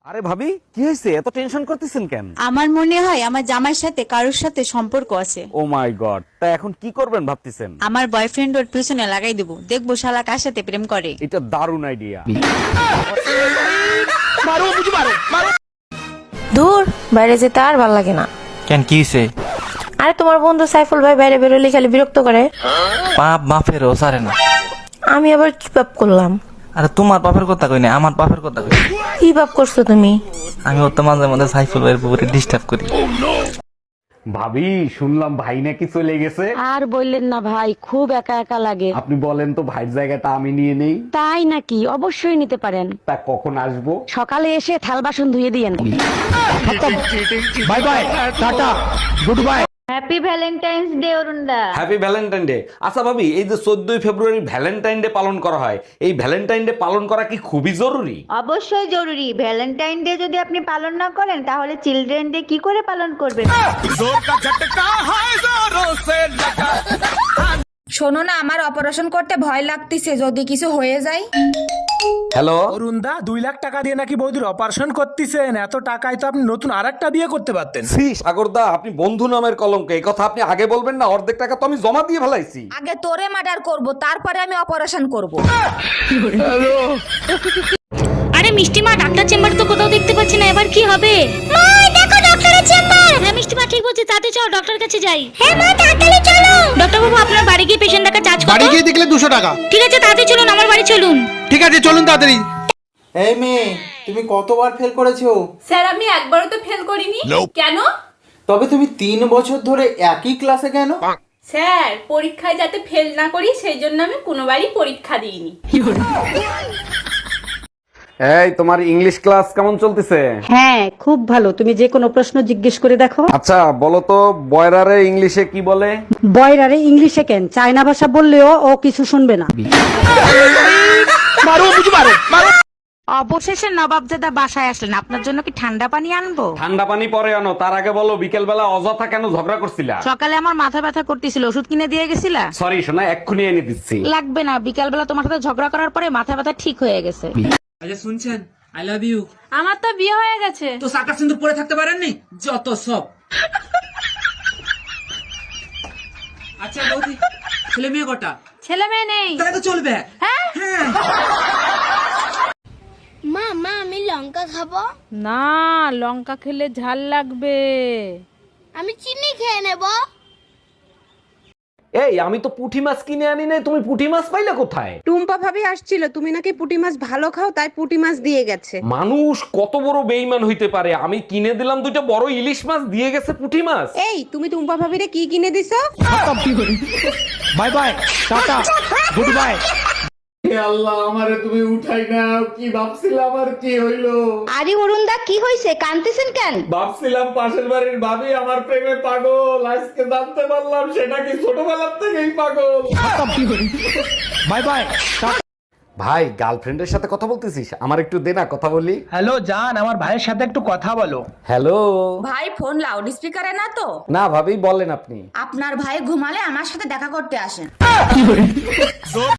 আরে ভাবি, কি হয়েছে? এত টেনশন করতেছেন কেন? আমার মনে হয় আমার জামাইয়ের সাথে কারোর সাথে সম্পর্ক আছে। ও মাই গড, তা এখন কি করবেন ভাবতেছেন? আমার বয়ফ্রেন্ড ওর পিছনে লাগাই দেবো, দেখবো শালা কার সাথে প্রেম করে। এটা দারুণ আইডিয়া। দূর, বাইরে যেতে আর ভাল লাগে না। কেন, কি হইছে? আরে তোমার বন্ধু সাইফুল ভাই বাইরে বেরোলে খালি বিরক্ত করে। পাপ বাপেরও সারে না। আমি আবার কি পাপ করলাম? আরে তোমার বাপের কথা কই না, আমার বাপের কথা কই। কি পাপ করছো তুমি? আমি ওর তো মাঝে মাঝে সাইফুল ভাইয়ের পুকুরে ডিস্টার্ব করি। ভাবি, শুনলাম ভাই নাকি চলে গেছে। আর বললেন না ভাই, খুব একা একা লাগে। আপনি বলেন তো ভাইয়ের জায়গাটা আমি নিয়ে নেই। তাই নাকি? অবশ্যই নিতে পারেন। তা কখন আসবো? সকালে এসে থাল বাসন ধুয়ে দিয়েন। Bye bye, tata, good bye. Happy Valentine's day অরুণদা। Happy Valentine day. আচ্ছা ভাবি, এই যে 14ই ফেব্রুয়ারি ভ্যালেন্টাইন ডে পালন করা হয়, এই ভ্যালেন্টাইন ডে পালন করা কি খুবই জরুরি? অবশ্যই জরুরি। ভ্যালেন্টাইন ডে যদি আপনি পালন না করেন তাহলে চিলড্রেন ডে কি করে পালন করবেন? শোনো না, আমার অপারেশন করতে ভয় লাগতেছে, যদি কিছু হয়ে যায়। হ্যালো, অরুণদা, 2 লাখ টাকা দিয়ে নাকি বৌদির অপারেশন করতেছেন? এত টাকায় তো আপনি নতুন আরেকটা বিয়ে করতে পারতেন। সি সাগরদা, আপনি বন্ধু নামের কলঙ্ক। এই কথা আপনি আগে বলবেন না? অর্ধেক টাকা তো আমি জমা দিয়ে ফেলাইছি। আগে তোরে মার্ডার করব, তারপরে আমি অপারেশন করব। আরে মিষ্টি মা, ডাক্তার চেম্বার তো কোথাও দেখতে পাচ্ছি না, এবার কি হবে? মা দেখো ডাক্তারের চেম্বার। হ্যাঁ মিষ্টি মা ঠিক বলছে, তাতে চল ডক্টর কাছে যাই। হ্যাঁ মা তাড়াতাড়ি চলো। ডক্টর বাবু, আপনার বাড়ি গিয়ে পেশেন্ট দেখা চার্জ কত? বাড়ি গিয়ে দেখলে 200 টাকা। ঠিক আছে, তাড়াতাড়ি চলুন, আমার বাড়ি চলুন। ঠিক আছে, চলুন তাড়াতাড়ি। এই মেয়ে, তুমি কতবার ফেল করেছো? স্যার, আমি একবারও তো ফেল করিনি। কেন? তবে তুমি 3 বছর ধরে একই ক্লাসে কেন? স্যার, পরীক্ষায় যাতে ফেল না করি সেই জন্য আমি কোনোবারই পরীক্ষা দিইনি। এই, তোমার ইংলিশ ক্লাস কেমন চলতেছে? হ্যাঁ, খুব ভালো। তুমি যে কোনো প্রশ্ন জিজ্ঞেস করে দেখো। আচ্ছা বলো তো, বয়রারে ইংলিশে কি বলে? বয়রারে ইংলিশে কেন, চায়না ভাষা বললেও ও কিছু শুনবে না। অবশেষে নবাবজাদা বাসায় আসলেন, আপনার জন্য কি ঠান্ডা পানি আনবো? ঠান্ডা পানি পরে আনো, তার আগে বলো বিকেল বেলা অযথা কেন ঝগড়া করছিলা? সকালে আমার মাথা ব্যথা করতেছিল, ওষুধ কিনে দিয়ে গেছিলা? সরি সোনা, এক্ষুনি এনে দিচ্ছি। লাগবে না, বিকাল বেলা তোমার সাথে ঝগড়া করার পরে মাথা ব্যথা ঠিক হয়ে গেছে। আচ্ছা শুনছেন, আই লাভ ইউ। আমার তো বিয়ে হয়ে গেছে। তো সাকা সিন্দুর পরে থাকতে পারেননি? যত সব। আচ্ছা বৌদি, ছেলে মেয়ে কটা? ছেলে মেয়ে নেই। তাহলে তো চলবে। হ্যাঁ। মা মা আমি লঙ্কা খাবো। না, লঙ্কা খেলে ঝাল লাগবে। আমি চিনি খেয়ে নেব। এই, আমি তো পুঁটি মাছ কিনে আনি নাই, তুমি পুঁটি মাছ পাইলে কোথায়? টুম্পা ভাবি আসছিল, তুমি নাকি পুঁটি মাছ ভালো খাও, তাই পুঁটি মাছ দিয়ে গেছে। মানুষ কত বড় বেইমান হইতে পারে! আমি কিনে দিলাম 2টা বড় ইলিশ মাছ, দিয়ে গেছে পুঁটি মাছ। এই, তুমি টুম্পা ভাবিরে কি কিনে দিছো? Bye bye, tata, good bye. Allah, আমারে তুমি উঠাই নাও। কি ভাবছিলাম আর কি হইলো? আরে অরুণদা, কি হয়েছে? কাঁদতেছেন কেন? ভাবছিলাম পাশের বাড়ির ভাবি আমার প্রেমে পাগল, আজকে জানতে পারলাম সেটা কি ছোটবেলার থেকেই পাগল। Bye bye. ভাই, গার্লফ্রেন্ডের সাথে কথা বলতেছিস? আমার একটু দে না, কথা বলি। হ্যালো জান, আমার ভাইয়ের সাথে একটু কথা বলো। হ্যালো। ভাই, ফোন লাউড স্পিকারে না তো? না ভাবি, বলেন আপনি। আপনার ভাই ঘুমালে আমার সাথে দেখা করতে আসেন।